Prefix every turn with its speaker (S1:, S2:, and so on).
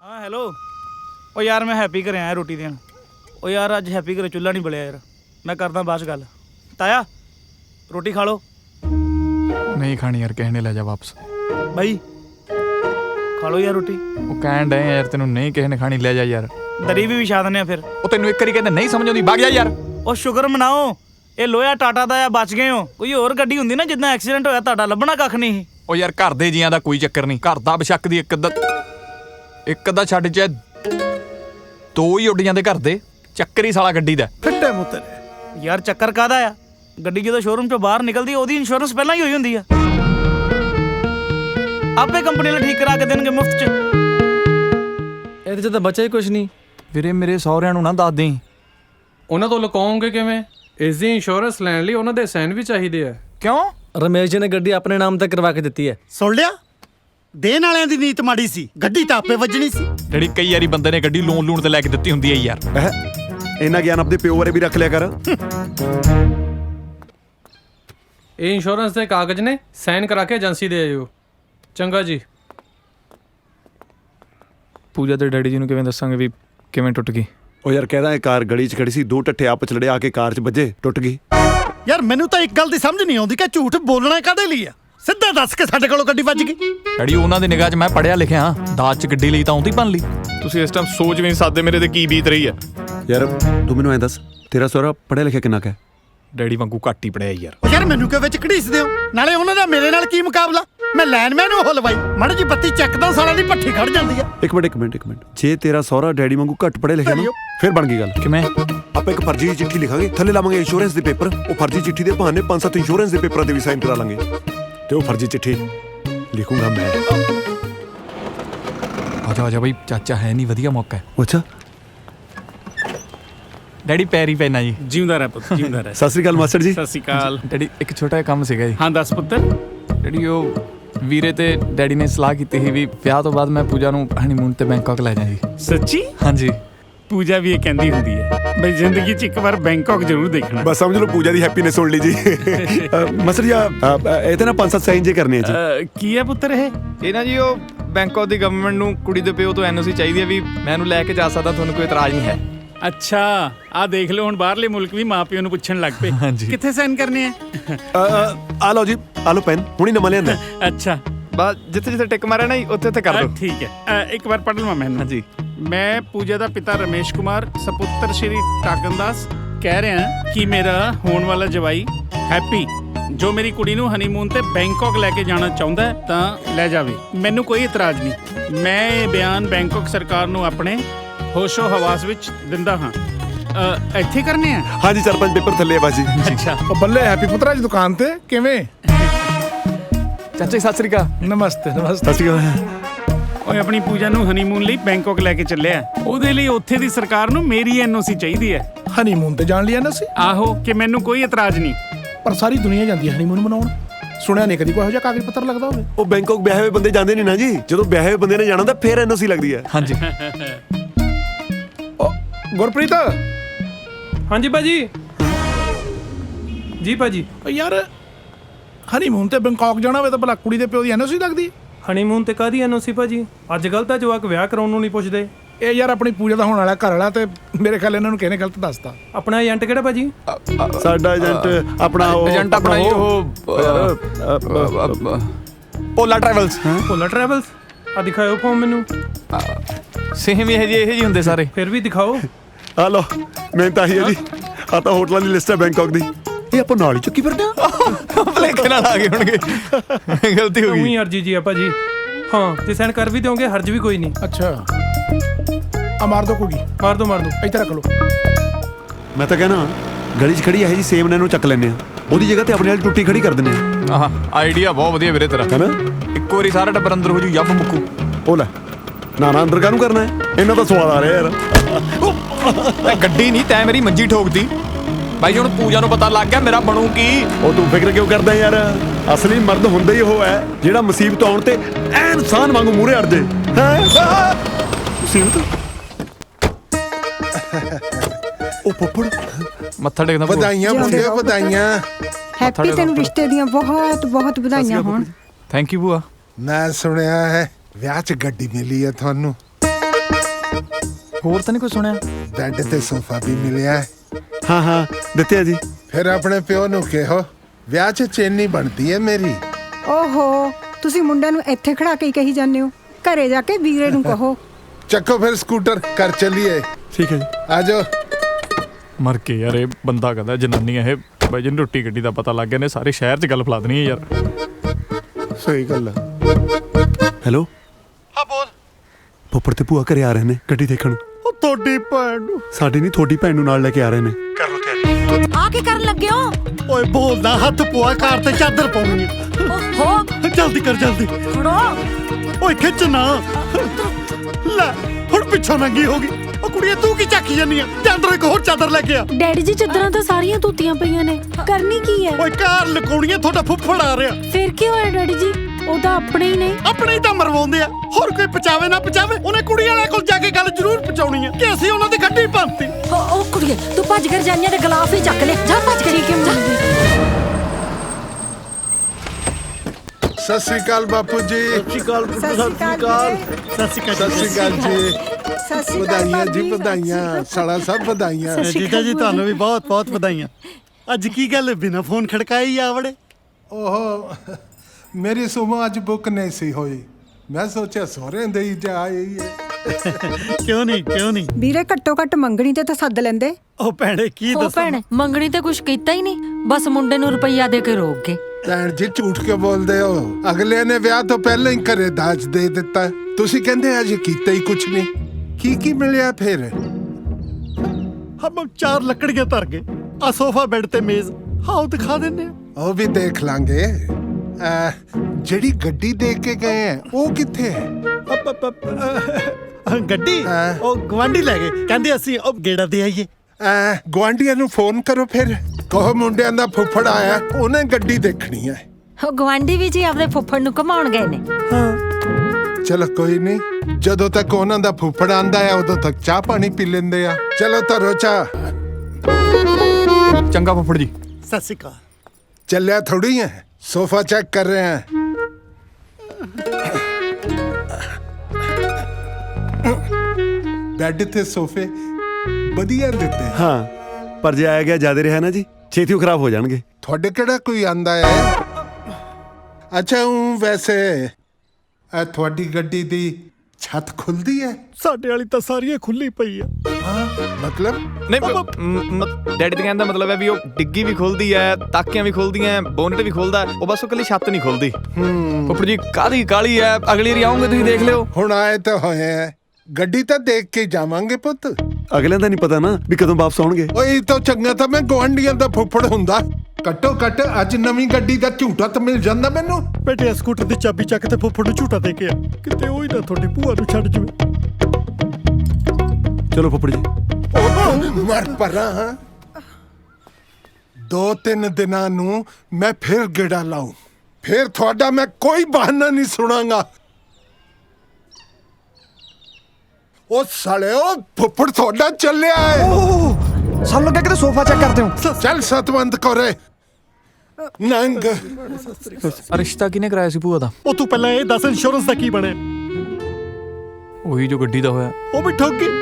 S1: हाँ हेलो। ओ यार मैं हैप्पी घर आया रोटी देन। ओ यार अज हैप्पी घर चुल्हा नहीं बलिया यार। मैं करदा बाद च गल। ताया रोटी खा लो।
S2: नहीं खानी यार, कहने ले जा वापस।
S1: भाई खा लो यार रोटी।
S2: वो कहन डे यार तेनू नहीं किसी ने खानी, ले जा यार।
S1: दरी भी विछा दने फिर।
S2: ਉਹ ਤੈਨੂੰ ਇੱਕ ਵਾਰੀ ਕਹਿੰਦਾ ਨਹੀਂ ਸਮਝ ਆਉਂਦੀ, ਭਾਗ ਜਾ ਯਾਰ।
S1: ओ शुक्र मनाओ ਇਹ ਲੋਹਾ ਟਾਟਾ ਦਾ ਆ, ਬਚ ਗਏ ਹੋ। ਕੋਈ ਹੋਰ ਗੱਡੀ ਹੁੰਦੀ ਨਾ ਜਿੱਦਾਂ ਐਕਸੀਡੈਂਟ ਹੋਇਆ ਤੁਹਾਡਾ ਲੱਭਣਾ ਕੱਖ ਨਹੀਂ ਸੀ।
S2: ਉਹ ਯਾਰ ਘਰ ਦੇ ਜੀਆਂ ਦਾ ਕੋਈ ਚੱਕਰ ਨਹੀਂ, ਘਰ ਦਾ ਬਸ਼ੱਕ ਦੀ ਇੱਕ ਅੱਧਾ ਛੱਡ ਚ ਦੋ ਹੀ ਉੱਡ ਜਾਂਦੇ ਘਰ ਦੇ। ਚੱਕਰ ਹੀ ਸਾਲਾ ਗੱਡੀ ਦਾ।
S1: ਫਿੱਟੇ ਮੁੱਤਰ ਯਾਰ ਚੱਕਰ ਕਾਹਦਾ ਆ? ਗੱਡੀ ਜਦੋਂ ਸ਼ੋਰੂਮ ਚੋਂ ਬਾਹਰ ਨਿਕਲਦੀ ਉਹਦੀ ਇੰਸ਼ੋਰੈਂਸ ਪਹਿਲਾਂ ਹੀ ਹੋਈ ਹੁੰਦੀ ਆ। ਆਪੇ ਕੰਪਨੀ ਵਾਲੇ ਠੀਕ ਕਰਾ ਕੇ ਦੇਣਗੇ ਮੁਫਤ ਚ।
S3: ਇਹਦੇ 'ਚ ਤਾਂ ਬਚਿਆ ਹੀ ਕੁਛ ਨਹੀਂ।
S2: ਵੀਰੇ ਮੇਰੇ ਸਹੁਰਿਆਂ ਨੂੰ ਨਾ ਦੱਸ ਦੇਈਂ।
S4: ਉਹਨਾਂ ਤੋਂ ਲੁਕਾਉਂਗੇ ਕਿਵੇਂ? ਇਸ ਦੀ ਇੰਸ਼ੋਰੈਂਸ ਲੈਣ ਲਈ ਉਹਨਾਂ ਦੇ ਸਾਈਨ ਵੀ ਚਾਹੀਦੇ ਆ।
S2: ਕਿਉਂ?
S3: ਰਮੇਸ਼ ਜੀ ਨੇ ਗੱਡੀ ਆਪਣੇ ਨਾਮ ਤੇ ਕਰਵਾ ਕੇ ਦਿੱਤੀ ਹੈ।
S5: ਸੁਣ ਲਿਆ, ਦੇਣ ਵਾਲਿਆਂ ਦੀ ਨੀਤ ਮਾੜੀ ਸੀ, ਗੱਡੀ ਤਾਂ ਆਪੇ ਵੱਜਣੀ ਸੀ।
S2: ਜਿਹੜੀ ਕਈ ਵਾਰੀ ਬੰਦੇ ਨੇ ਗੱਡੀ ਲੋਨ ਤੇ ਲੈ ਕੇ ਦਿੱਤੀ ਹੁੰਦੀ ਹੈ ਯਾਰ।
S6: ਇਹਨਾਂ ਗਿਆਨ ਆਪਣੇ ਪਿਓ ਬਾਰੇ ਵੀ ਰੱਖ ਲਿਆ ਕਰ।
S4: ਇਹ ਇੰਸ਼ੋਰੈਂਸ ਦੇ ਕਾਗਜ਼ ਨੇ, ਸਾਈਨ ਕਰਾ ਕੇ ਏਜੰਸੀ ਦੇ ਆਇਓ। ਚੰਗਾ ਜੀ।
S2: ਪੂਜਾ ਤੇ ਡੈਡੀ ਜੀ ਨੂੰ ਕਿਵੇਂ ਦੱਸਾਂਗੇ ਵੀ ਕਿਵੇਂ ਟੁੱਟ ਗਈ?
S6: ਉਹ ਯਾਰ ਕਹਿੰਦਾ ਇਹ ਕਾਰ ਗਲੀ 'ਚ ਖੜੀ ਸੀ, ਦੋ ਟੱਠੇ ਆਪਸ ਲੜੇ, ਆ ਕੇ ਕਾਰ 'ਚ ਵੱਜੇ, ਟੁੱਟ ਗਈ।
S5: ਯਾਰ ਮੈਨੂੰ ਤਾਂ ਇੱਕ ਗੱਲ ਦੀ ਸਮਝ ਨਹੀਂ ਆਉਂਦੀ ਕਿ ਝੂਠ ਬੋਲਣਾ ਕਾਹਦੇ ਲਈ ਆ? ਸਿੱਧਾ ਦੱਸ ਕੇ ਸਾਡੇ ਕੋਲੋਂ ਗੱਡੀ ਵੱਜ ਗਈ।
S2: ਡੈਡੀ ਉਹਨਾਂ ਦੀ ਨਿਗਾਹ 'ਚ ਮੈਂ ਪੜ੍ਹਿਆ ਲਿਖਿਆ ਹਾਂ, ਦਾਜ 'ਚ ਗੱਡੀ ਲਈ ਤਾਂ ਆਉਂਦੀ ਬਣ ਲਈ। ਤੁਸੀਂ ਇਸ ਟਾਈਮ ਸੋਚ ਵੀ ਨਹੀਂ ਸਕਦੇ ਮੇਰੇ ਤੇ ਕੀ ਬੀਤ ਰਹੀ ਹੈ।
S6: ਯਾਰ ਤੂੰ ਮੈਨੂੰ ਐਂ ਦੱਸ, ਤੇਰਾ ਸਹੁਰਾ ਪੜ੍ਹਿਆ ਲਿਖਿਆ ਕਿੰਨਾ ਕੁ ਹੈ?
S2: ਡੈਡੀ ਵਾਂਗੂ ਘੱਟ ਹੀ ਪੜਿਆ ਯਾਰ।
S5: ਉਹ ਯਾਰ ਮੈਨੂੰ ਕਿਉਂ ਵਿੱਚ ਘੜੀਸਦੇ ਹੋ? ਨਾਲੇ ਉਹਨਾਂ ਦਾ ਮੇਰੇ ਨਾਲ ਕੀ ਮੁਕਾਬਲਾ? ਮੈਂ ਲਾਈਨਮੈਨ ਨੂੰ ਉਹ ਲਵਾਈ, ਮਾੜੀ ਜੀ ਬੱਤੀ ਚੱਕਦਾ ਸਾਲਾਂ ਦੀ ਭੱਠੀ ਖੜ ਜਾਂਦੀ ਆ।
S6: ਇੱਕ ਮਿੰਟ ਜੇ ਤੇਰਾ ਸਹੁਰਾ ਡੈਡੀ ਵਾਂਗੂ ਘੱਟ ਪੜ੍ਹਿਆ ਲਿਖਿਆ ਨਾ, ਫਿਰ ਬਣ ਗਈ ਗੱਲ।
S2: ਕਿਵੇਂ?
S6: ਆਪਾਂ ਇੱਕ ਫਰਜ਼ੀ ਦੀ ਚਿੱਠੀ ਲਿਖਾਂਗੇ, ਥੱਲੇ ਲਾਵਾਂਗੇ ਇੰਸ਼ੋਰੈਂਸ ਦੇ ਪੇਪਰ। ਉਹ ਫਰਜ਼ੀ ਚਿੱਠੀ ਦੇ ਬਹਾਨੇ 5-7 ਇੰਸ਼ੋਰੈਂਸ ਦੇ ਪੇਪਰਾਂ ਤੇ ਵੀ ਸਾਈਨ ਕਰਾ ਲਾਂਗੇ, ਤੇ ਉਹ ਫਰਜ਼ੀ ਚਿੱਠੀ ਲਿਖੂੰਗਾ ਮੈਂ।
S2: ਆ ਜਾ ਬਈ, ਚਾਚਾ ਹੈ ਨਹੀਂ, ਵਧੀਆ ਮੌਕਾ ਹੈ।
S6: ਅੱਛਾ
S2: ਡੈਡੀ ਪੈਰੀ ਪੈਣਾ ਜੀ।
S1: ਜਿਉਂਦਾ ਰਹਿ ਪੁੱਤ, ਜਿਉਂਦਾ ਰਹਿ।
S6: ਸਤਿ ਸ੍ਰੀ ਅਕਾਲ ਮਾਸਟਰ ਜੀ।
S1: ਸਤਿ ਸ਼੍ਰੀ ਅਕਾਲ।
S2: ਡੈਡੀ ਇੱਕ ਛੋਟਾ ਜਿਹਾ ਕੰਮ ਸੀਗਾ ਜੀ।
S1: ਹਾਂ ਦੱਸ ਪੁੱਤਰ।
S2: ਡੈਡੀ ਉਹ ਵੀਰੇ ਤੇ ਡੈਡੀ ਨੇ ਸਲਾਹ ਕੀਤੀ ਸੀ ਵੀ ਵਿਆਹ ਤੋਂ ਬਾਅਦ ਮੈਂ ਪੂਜਾ ਨੂੰ ਹਨੀਮੂਨ ਤੇ ਬੈਂਕਾਕ ਲੈ ਜਾਵਾਂ ਜੀ।
S1: ਸੱਚੀ?
S2: ਹਾਂਜੀ।
S1: ਪੂਜਾ ਵੀ ਇਹ ਕਹਿੰਦੀ ਹੁੰਦੀ ਹੈ ਬਈ ਜ਼ਿੰਦਗੀ 'ਚ ਇੱਕ ਵਾਰ ਬੈਂਕਾਕ ਜ਼ਰੂਰ ਦੇਖਣਾ।
S6: ਬਸ ਸਮਝ ਲਓ ਪੂਜਾ ਦੀ ਹੈਪੀਨੈਸ ਸੁਣ ਲਈ ਜੀ। ਮਾਸਟਰ ਜੀ ਇਹ ਤੇ ਨਾ 5-7 ਸਾਈਨ ਜੇ ਕਰਨੇ ਆ ਜੀ।
S1: ਕੀ ਹੈ ਪੁੱਤਰ ਇਹ?
S2: ਇਹ ਨਾ ਜੀ ਉਹ ਬੈਂਕਾਕ ਦੀ ਗਵਰਨਮੈਂਟ ਨੂੰ ਕੁੜੀ ਦੇ ਪਿਓ ਤੋਂ ਐਨਓਸੀ ਚਾਹੀਦੀ ਹੈ ਵੀ ਮੈਂ ਇਹਨੂੰ ਲੈ ਕੇ ਜਾ ਸਕਦਾ, ਤੁਹਾਨੂੰ ਕੋਈ ਇਤਰਾਜ਼ ਨਹੀਂ ਹੈ।
S1: ਅੱਛਾ ਆ ਦੇਖ ਲਓ, ਹੁਣ ਬਾਹਰਲੇ ਮੁਲਕ ਵੀ ਮਾਂ ਪਿਓ ਨੂੰ ਪੁੱਛਣ ਲੱਗ ਪਏ ਕਿੱਥੇ ਸਾਈਨ ਕਰਨੇ ਆ।
S6: ਆ ਲਓ ਜੀ, ਆ ਲਓ ਪੈਨ, ਹੁਣੀ ਨਵਾਂ ਲਿਆਂਦਾ।
S1: ਅੱਛਾ
S2: ਬਸ ਜਿੱਥੇ ਟਿਕ ਮਾਰਿਆ ਨਾ ਉੱਥੇ ਕਰ ਦਿਓ।
S1: ਠੀਕ ਹੈ, ਇੱਕ ਵਾਰ ਪੜ੍ਹ ਲਵਾਂ ਮੈਨੂੰ।
S2: ਹਾਂਜੀ।
S1: ਮੈਂ ਪੂਜਾ ਦਾ ਪਿਤਾ ਰਮੇਸ਼ ਕੁਮਾਰ ਸਪੁੱਤਰ ਸ਼੍ਰੀ ਟਾਕਨਦਾਸ ਕਹਿ ਰਿਹਾ ਕਿ ਮੇਰਾ ਹੋਣ ਵਾਲਾ ਜਵਾਈ ਹੈਪੀ ਜੋ ਮੇਰੀ ਕੁੜੀ ਨੂੰ ਹਨੀਮੂਨ ਤੇ ਬੈਂਕਾਕ ਲੈ ਕੇ ਜਾਣਾ ਚਾਹੁੰਦਾ ਹੈ ਤਾਂ ਲੈ ਜਾਵੇ, ਮੈਨੂੰ ਕੋਈ ਇਤਰਾਜ਼ ਨਹੀਂ। ਮੈਂ ਇਹ ਬਿਆਨ ਬੈਂਕਾਕ ਸਰਕਾਰ ਨੂੰ ਆਪਣੇ ਹੋਸ਼ੋ ਹਵਾਸ ਵਿੱਚ ਦਿੰਦਾ ਹਾਂ। ਇੱਥੇ ਕਰਨੇ ਆ?
S6: ਹਾਂਜੀ, 4-5 ਪੇਪਰ ਥੱਲੇ ਆ ਬਾਜੀ।
S1: ਅੱਛਾ।
S7: ਬੱਲੇ ਹੈਪੀ ਪੁੱਤਰਾ ਜੀ ਦੁਕਾਨ ਤੇ ਕਿਵੇਂ?
S2: ਚਾਚਾ ਸਤਿ ਸ੍ਰੀ ਅਕਾਲ।
S7: ਨਮਸਤੇ
S6: ਸਤਿ ਸ਼੍ਰੀ ਅਕਾਲ।
S1: ਓਏ ਆਪਣੀ ਪੂਜਾ ਨੂੰ ਹਨੀਮੂਨ ਲਈ ਬੈਂਕਾਕ ਲੈ ਕੇ ਚੱਲਿਆ, ਉਹਦੇ ਲਈ ਉੱਥੇ ਦੀ ਸਰਕਾਰ ਨੂੰ ਮੇਰੀ ਐਨਓਸੀ ਚਾਹੀਦੀ ਹੈ।
S7: ਹਨੀਮੂਨ ਤੇ ਜਾਣ ਲਿਆ ਨਾ ਸੀ,
S1: ਆਹੋ, ਕਿ ਮੈਨੂੰ ਕੋਈ ਇਤਰਾਜ਼ ਨਹੀਂ।
S7: ਪਰ ਸਾਰੀ ਦੁਨੀਆ ਜਾਂਦੀ ਹੈ ਹਨੀਮੂਨ ਮਨਾਉਣ। ਸੁਣਿਆ ਨਹੀਂ ਕਦੀ ਕੋਈ ਇਹੋ ਜਿਹਾ ਕਾਗਜ਼ ਪੱਤਰ ਲੱਗਦਾ ਹੋਵੇ।
S6: ਉਹ ਬੈਂਕਾਕ ਵਿਆਹੇ ਹੋਏ ਬੰਦੇ ਜਾਂਦੇ ਨਹੀਂ ਨਾ ਜੀ, ਜਦੋਂ ਵਿਆਹੇ ਹੋਏ ਬੰਦੇ ਨੇ ਜਾਣਾ ਤਾਂ ਫਿਰ ਐਨਓਸੀ ਲੱਗਦੀ ਹੈ।
S2: ਹਾਂਜੀ।
S7: ਗੁਰਪ੍ਰੀਤ।
S4: ਹਾਂਜੀ ਭਾਜੀ। ਜੀ ਭਾਜੀ।
S7: ਯਾਰ ਹਨੀਮੂਨ ਤੇ ਬੈਂਕਾਕ ਜਾਣਾ ਹੋਵੇ ਤਾਂ ਭਲਾ ਕੁੜੀ ਦੇ ਪਿਓ ਦੀ ਐਨਓਸੀ ਲੱਗਦੀ?
S4: ਹਨੀਮੂਨ ਤੇ ਕਾਹਦੀ ਐਨਓਸੀ ਭਾਜੀ? ਅੱਜ ਕੱਲ੍ਹ ਤਾਂ ਜਵਾਕ ਵਿਆਹ ਕਰਾਉਣ ਨੂੰ ਨਹੀਂ ਪੁੱਛਦੇ।
S7: ਇਹ ਯਾਰ ਆਪਣੀ ਪੂਜਾ ਦਾ ਹੋਣ ਵਾਲਾ ਘਰ ਵਾਲਾ, ਤੇ ਮੇਰੇ ਖਿਆਲ ਇਹਨਾਂ ਨੂੰ ਕਿਹਨੇ ਗਲਤ ਦੱਸਤਾ।
S4: ਆਪਣਾ ਏਜੰਟ ਕਿਹੜਾ ਭਾਜੀ?
S6: ਸਾਡਾ ਏਜੰਟ ਆਪਣਾ
S2: ਹੀ ਉਹ ਪੋਲਾ ਟਰੈਵਲਸ।
S4: ਭੋਲਾ ਟਰੈਵਲਸ? ਆ ਦਿਖਾਓ ਫੋਨ ਮੈਨੂੰ।
S2: ਸੇਮ ਇਹੋ ਜਿਹੇ ਹੁੰਦੇ ਸਾਰੇ।
S4: ਫਿਰ ਵੀ ਦਿਖਾਓ।
S6: ਆ ਲਓ, ਮੈਂ ਤਾਂ ਹੀ ਹੈ ਜੀ, ਆ ਤਾਂ ਹੋਟਲਾਂ ਦੀ ਲਿਸਟ ਹੈ ਬੈਂਕਾਕ ਦੀ। ਇਹ ਆਪਾਂ ਨਾਲ ਹੀ ਚੁੱਕੀ ਫਿਰਦੇ ਆ।
S2: ਭਲੇਖੇ ਨਾਲ ਆ ਗਏ ਹੋਣਗੇ, ਗਲਤੀ ਹੋ ਗਈ।
S4: ਉਹੀ ਅਰਜੀ ਜੀ ਆ ਭਾਜੀ। ਹਾਂ ਤੇ ਸਾਈਨ ਕਰ ਵੀ ਦਿਓਗੇ, ਹਰਜ ਵੀ ਕੋਈ ਨਹੀਂ।
S7: ਅੱਛਾ ਆ ਮਾਰ ਦੋ ਕੋਈ।
S4: ਮਾਰ ਦੋ
S7: ਇੱਥੇ ਰੱਖ ਲਓ।
S6: ਮੈਂ ਤਾਂ ਕਹਿਣਾ ਗਲੀ 'ਚ ਖੜੀ ਹੈ ਜੀ ਸੇਮ ਨੂੰ ਚੱਕ ਲੈਂਦੇ ਆ, ਉਹਦੀ ਜਗ੍ਹਾ ਤੇ ਆਪਣੇ ਵਾਲੀ ਟੁੱਟੀ ਖੜੀ ਕਰ ਦਿੰਦੇ ਆ।
S2: ਆਹ ਆਈਡੀਆ ਬਹੁਤ ਵਧੀਆ ਵੀਰੇ ਤੇਰਾ,
S6: ਹੈਨਾ?
S2: ਇੱਕ ਵਾਰੀ ਸਾਰਾ ਟੱਬਰ ਅੰਦਰ ਹੋ ਜੂ, ਯੱਬ ਮੁੱਕੂ।
S6: ਉਹ ਲੈ ਨਾ ਅੰਦਰ ਕਾਹਨੂੰ ਕਰਨਾ ਹੈ, ਇਹਨਾਂ ਦਾ ਸਵਾਦ ਆ ਰਿਹਾ ਯਾਰ।
S2: ਗੱਡੀ ਨਹੀਂ, ਤੈਂ ਮੇਰੀ ਮੰਜੀ ਠੋਕਦੀ ਬਾਈ। ਹੁਣ ਪੂਜਾ ਨੂੰ ਪਤਾ ਲੱਗ ਗਿਆ ਮੇਰਾ ਬਣੂ ਕੀ।
S6: ਉਹ ਤੂੰ ਫਿਕਰ ਕਿਉਂ ਕਰਦਾ ਯਾਰ? ਅਸਲੀ ਮਰਦ ਹੁੰਦਾ ਹੀ ਉਹ ਹੈ ਜਿਹੜਾ ਮੁਸੀਬਤ ਆਉਣ ਤੇ ਐਨ ਇਨਸਾਨ ਵਾਂਗੂ ਮੂਹਰੇ ਅੜ ਜੇ। ਮੁਸੀਬਤ? ਉਹ ਪੱਪੜ
S2: ਮੱਥਾ ਟੇਕਦਾ।
S7: ਵਧਾਈਆਂ ਮੁੰਡੇ, ਵਧਾਈਆਂ।
S8: ਹੈਪੀ ਤੈਨੂੰ ਰਿਸ਼ਤੇ ਦੀਆਂ ਬਹੁਤ ਬਹੁਤ ਵਧਾਈਆਂ ਹੋਣ।
S2: ਥੈਂਕ ਯੂ ਭੂਆ।
S7: ਮੈਂ ਸੁਣਿਆ ਹੈ ਵਿਆਹ 'ਚ ਗੱਡੀ ਮਿਲੀ ਹੈ ਤੁਹਾਨੂੰ।
S2: ਹੋਰ ਤਾਂ ਨਹੀਂ ਕੋਈ ਸੁਣਿਆ?
S9: ਬੈੱਡ ਤੇ ਸੋਫਾ ਵੀ ਮਿਲਿਆ ਹੈ।
S6: ਹਾਂ ਹਾਂ ਦਿੱਤੇ ਆ ਜੀ।
S9: ਫਿਰ ਆਪਣੇ ਪਿਓ ਨੂੰ ਕਿਹੋ ਵਿਆਹ 'ਚ ਚੇਨੀ ਬਣਦੀ ਹੈ ਮੇਰੀ।
S8: ਓਹੋ ਤੁਸੀਂ ਮੁੰਡਿਆਂ ਨੂੰ ਇੱਥੇ ਖੜਾ ਕੇ ਹੀ ਕਹੀ ਜਾਂਦੇ ਹੋ, ਘਰੇ ਜਾ ਕੇ ਵੀਰੇ ਨੂੰ ਕਹੋ।
S9: ਚੱਕੋ ਫਿਰ ਸਕੂਟਰ, ਘਰ ਚੱਲੀਏ।
S6: ਠੀਕ ਹੈ ਜੀ।
S9: ਆ ਜਾਓ।
S2: ਮਰ ਕੇ ਯਾਰ, ਇਹ ਬੰਦਾ ਕਹਿੰਦਾ ਜਨਾਨੀ ਇਹ ਬਾਈ ਜਿਹਨੂੰ ਰੋਟੀ ਗੱਡੀ ਦਾ ਪਤਾ ਲੱਗ ਗਿਆ ਨੇ ਸਾਰੇ ਸ਼ਹਿਰ 'ਚ ਗੱਲ ਫੈਲਾ ਦੇਣੀ ਹੈ ਯਾਰ।
S9: ਸਹੀ ਗੱਲ ਆ।
S6: ਹੈਲੋ
S5: ਹਾਂ ਬੋਲ।
S6: ਫੁੱਫੜ ਤੇ ਭੂਆ ਘਰੇ ਆ ਰਹੇ ਨੇ ਗੱਡੀ ਦੇਖਣ।
S5: ਉਹ ਤੁਹਾਡੀ ਭੈਣ ਨੂੰ
S6: ਸਾਡੀ ਨਹੀਂ ਤੁਹਾਡੀ ਭੈਣ ਨੂੰ ਨਾਲ ਲੈ ਕੇ ਆ ਰਹੇ ਨੇ।
S5: ਕਰ ਲੋ ਤਿਆਰੀ।
S10: ਆ ਕੀ ਕਰਨ ਲੱਗੇ ਹੋ?
S5: ਓਏ ਬੋਲਦਾ ਹੱਥ ਪੁਆ ਕਾਰ ਤੇ ਚਾਦਰ ਪਾਉਣੀ ਹੈ।
S10: ਓਹੋ
S5: ਜਲਦੀ ਕਰ ਜਲਦੀ।
S10: ਖੜੋ।
S5: ਓਏ ਖਿੱਚ ਨਾ। ਲੈ ਹੁਣ ਪਿੱਛੋਂ ਨੰਗੀ ਹੋ ਗਈ। ਉਹ ਕੁੜੀਏ ਤੂੰ ਕੀ ਚੱਕੀ ਜਾਨੀ ਆ? ਤੇ ਅੰਦਰ ਇੱਕ ਹੋਰ ਚਾਦਰ ਲੈ ਕੇ ਆ।
S10: ਡੈਡੀ ਜੀ ਚਾਦਰਾਂ ਤਾਂ ਸਾਰੀਆਂ ਧੋਤੀਆਂ ਪਈਆਂ ਨੇ, ਕਰਨੀ ਕੀ ਹੈ?
S5: ਓਏ ਕਾਰ ਲਕੋਣੀਆਂ, ਤੁਹਾਡਾ ਫੁੱਫੜ ਆ ਰਿਹਾ।
S10: ਫਿਰ ਕੀ ਹੋਇਆ ਡੈਡੀ ਜੀ? ਉਹ ਤਾਂ ਆਪਣੇ ਹੀ ਨੇ।
S5: ਆਪਣੇ ਹੀ ਤਾਂ ਮਰਵਾਉਂਦੇ ਆ, ਹੋਰ ਕੋਈ ਪਚਾਵੇ ਨਾ ਪਚਾਵੇ ਉਹਨੇ ਕੁੜੀ ਵਾਲਿਆਂ ਕੋਲ ਜਾ ਕੇ ਗੱਲ ਜ਼ਰੂਰ ਪਹੁੰਚਾਉਣੀ ਆ ਕਿ ਅਸੀਂ ਉਹਨਾਂ ਦੀ ਗੱਡੀ ਭੰਨਤੀ।
S10: ਉਹ ਕੁੜੀਏ ਤੂੰ ਭੱਜ ਕਰ ਜਾਨੀਆਂ ਤੇ ਗਲਾਫ ਹੀ ਚੱਕ ਲੈ, ਜਾ ਭੱਜ ਕਰ।
S9: ਸਤਿ ਸ੍ਰੀ ਅਕਾਲ ਬਾਪੂ ਜੀ।
S5: ਸਤਿ ਸ਼੍ਰੀ ਅਕਾਲ।
S8: ਸਤਿ ਸ਼੍ਰੀ ਅਕਾਲ।
S5: ਸਤਿ ਸ਼੍ਰੀ
S9: ਸਤਿ ਸ੍ਰੀ ਅਕਾਲ ਜੀ।
S8: ਸਤਿ ਸ਼੍ਰੀ ਅਕਾਲ
S9: ਵਧਾਈਆਂ ਜੀ,
S8: ਭਾਬੀ,
S9: ਵਧਾਈਆਂ। ਸਾਲਾ ਸਭ ਵਧਾਈਆਂ।
S5: ਜੀਜਾ ਜੀ ਤੁਹਾਨੂੰ ਵੀ ਬਹੁਤ ਬਹੁਤ ਵਧਾਈਆਂ। ਅੱਜ ਕੀ ਗੱਲ ਬਿਨਾਂ ਫੋਨ ਖੜਕਾਈ ਆ ਵੜੇ?
S9: ਓਹੋ ਮੇਰੀ ਸੁਮੋ ਅੱਜ ਬੁੱਕ ਨਹੀਂ ਸੀ ਹੋਈ। ਮੈਂ ਸੋਚਿਆ ਸਹੁਰੇ ਦੇ ਹੀ ਜਾ ਆਈ ਹੈ।
S5: ਕਿਉਂ ਨਹੀਂ
S8: ਵੀਰੇ ਘੱਟੋ ਘੱਟ ਮੰਗਣੀ ਤੇ ਤਾਂ ਸੱਦ ਲੈਂਦੇ।
S5: ਉਹ ਭੈਣੇ ਕੀ
S10: ਉਹ
S5: ਦੱਸਾਂ।
S10: ਭੈਣ ਮੰਗਣੀ ਤੇ ਕੁਛ ਕੀਤਾ ਹੀ ਨਹੀਂ, ਬਸ ਮੁੰਡੇ ਨੂੰ ਰੁਪਈਆ ਦੇ ਕੇ ਰੋਕ ਗਏ।
S9: ਭੈਣ ਜੀ ਝੂਠ ਕਿਉਂ ਬੋਲਦੇ ਹੋ? ਅਗਲੇ ਨੇ ਵਿਆਹ ਤੋਂ ਪਹਿਲਾਂ ਹੀ ਘਰੇ ਦਾਜ ਦੇ ਦਿੱਤਾ। ਤੁਸੀਂ ਕਹਿੰਦੇ ਅਜੇ ਕੀਤਾ ਹੀ ਕੁਛ ਨਹੀਂ। ਕੀ ਮਿਲਿਆ ਫਿਰ?
S5: ਹਮ 4 ਲੱਕੜੀਆਂ ਧਰ ਗਏ, ਆ ਸੋਫਾ ਬੈੱਡ ਤੇ ਮੇਜ਼। ਹਾਉ ਦਿਖਾ ਦਿੰਨੇ ਆ।
S9: ਉਹ ਵੀ ਦੇਖ ਲਾਂਗੇ। ਜਿਹੜੀ ਗੱਡੀ ਦੇ ਕੇ ਗਏ ਹੈ ਉਹ ਕਿੱਥੇ ਹੈ?
S5: ਗੱਡੀ
S9: ਹਾਂ।
S5: ਉਹ ਗਵਾਂਢੀ ਲੈ ਗਏ, ਕਹਿੰਦੇ ਅਸੀਂ ਉਹ ਗੇੜਾ ਦੇ ਆਈਏ।
S9: ਗੁਆਂਢੀਆਂ ਨੂੰ ਫੋਨ ਕਰੋ ਫਿਰ, ਕਹੋ ਮੁੰਡਿਆਂ ਦਾ ਫੁੱਫੜ ਆਇਆ, ਉਹਨੇ ਗੱਡੀ ਦੇਖਣੀ ਹੈ।
S10: ਉਹ ਗਵਾਂਢੀ ਵੀ ਜੀ ਆਪਦੇ ਫੁੱਫੜ ਨੂੰ ਘਮਾਉਣ ਗਏ ਨੇ।
S9: ਚਲੋ ਕੋਈ ਨਹੀਂ, ਜਦੋਂ ਤੱਕ ਉਹਨਾਂ ਦਾ ਫੁੱਫੜ ਆਂਦਾ ਹੈ ਉਦੋਂ ਤੱਕ ਚਾਹ ਪਾਣੀ ਪੀ ਲੈਂਦੇ ਆ। ਚਲੋ ਧਰੋ ਚਾਹ।
S2: ਚੰਗਾ ਫੁੱਫੜ ਜੀ।
S5: ਸਤਿ ਸ਼੍ਰੀ ਅਕਾਲ।
S9: ਚੱਲਿਆ ਥੋੜੀ ਹੈ, ਸੋਫਾ ਚੈੱਕ ਕਰ ਰਹੇ ਹਾਂ। ਬੈੱਡ ਤੇ ਸੋਫੇ ਵਧੀਆ ਦਿੱਤੇ।
S6: ਹਾਂ ਪਰ ਜੇ ਆਇਆ ਗਿਆ ਜ਼ਿਆਦਾ ਰਿਹਾ ਨਾ ਜੀ, ਛੇਤੀ ਉਹ ਖਰਾਬ ਹੋ ਜਾਣਗੇ।
S9: ਤੁਹਾਡੇ ਕਿਹੜਾ ਕੋਈ ਆਂਦਾ ਹੈ? ਅੱਛਾ ਵੈਸੇ ਤੁਹਾਡੀ ਗੱਡੀ ਦੀ ਛੱਤ ਖੁੱਲਦੀ ਹੈ?
S5: ਸਾਡੇ ਵਾਲੀ ਤਾਂ ਸਾਰੀਆਂ ਖੁੱਲੀ ਪਈ ਆ।
S9: ਮਤਲਬ?
S2: ਨਹੀਂ ਡੈਡੀ ਤੇ ਕਹਿੰਦਾ ਮਤਲਬ ਹੈ ਵੀ ਉਹ ਡਿੱਗੀ ਵੀ ਖੁੱਲਦੀ ਹੈ, ਤਾਕੀਆਂ ਵੀ ਖੁੱਲਦੀਆਂ, ਬੋਨਟ ਵੀ ਖੁੱਲਦਾ, ਉਹ ਬਸ ਉਹ ਕੱਲੀ ਛੱਤ ਨਹੀਂ ਖੁੱਲਦੀ। ਫੁੱਫੜ ਜੀ ਕਾਹਦੀ ਕਾਲੀ ਹੈ, ਅਗਲੀ ਵਾਰੀ ਆਉਂਗੇ ਤੁਸੀਂ ਦੇਖ ਲਿਓ।
S9: ਹੁਣ ਆਏ ਤਾਂ ਹੋਏ ਆ, ਗੱਡੀ ਤਾਂ ਦੇਖ ਕੇ ਜਾਵਾਂਗੇ ਪੁੱਤ।
S6: ਅਗਲਿਆਂ ਦਾ ਨਹੀਂ ਪਤਾ ਨਾ ਵੀ ਕਦੋਂ ਵਾਪਸ ਆਉਣਗੇ।
S9: ਓਏ ਇਹ ਤਾਂ ਚੰਗਾ ਤਾਂ ਮੈਂ ਗੁਆਂਢੀਆਂ ਦਾ ਫੁੱਫੜ ਹੁੰਦਾ। ਘੱਟੋ ਘੱਟ ਅੱਜ ਨਵੀਂ ਗੱਡੀ ਦਾ ਝੂਟਾ ਤਾਂ ਮਿਲ ਜਾਂਦਾ ਮੈਨੂੰ।
S5: ਬੇਟੇ ਸਕੂਟਰ ਦੀ ਚਾਬੀ ਚੱਕ ਤੇ ਫੁੱਫੜ ਨੂੰ ਝੂਟਾ ਦੇ ਕੇ ਆ, ਕਿਤੇ ਉਹ ਹੀ ਨਾ ਤੁਹਾਡੀ ਭੂਆ ਨੂੰ ਛੱਡ ਜਵੇ।
S6: ਚਲੋ ਫੁੱਫੜ ਜੀ।
S9: ਮਰ ਪਰਾਂ ਹਾਂ। 2-3 ਦਿਨਾਂ ਨੂੰ ਮੈਂ ਫਿਰ ਗੇੜਾ ਲਾਉਂ, ਫਿਰ ਤੁਹਾਡਾ ਮੈਂ ਕੋਈ ਬਹਾਨਾ ਨਹੀਂ ਸੁਣਾਂਗਾ। ਉਹ ਸਾਲਿਓ ਫੁੱਫੜ ਤੁਹਾਡਾ ਚੱਲਿਆ ਹੈ।
S2: ਸਾਨੂੰ ਲੱਗਿਆ ਕਿ ਸੋਫਾ ਚੈੱਕ ਕਰਦੇ ਹੋ।
S9: ਚੱਲ ਸਤਵੰਤ ਕੋਰੇ ਨੰਗ।
S2: ਰਿਸ਼ਤਾ ਕਿਹਨੇ ਕਰਾਇਆ ਸੀ ਭੂਆ ਦਾ?
S5: ਉਹ ਤੂੰ ਪਹਿਲਾਂ ਇਹ ਦੱਸ ਇੰਸ਼ੋਰੈਂਸ ਦਾ ਕੀ ਬਣਿਆ?
S2: ਉਹੀ ਜੋ ਗੱਡੀ ਦਾ ਹੋਇਆ।
S5: ਉਹ ਵੀ ਠੱਗ ਗਈ।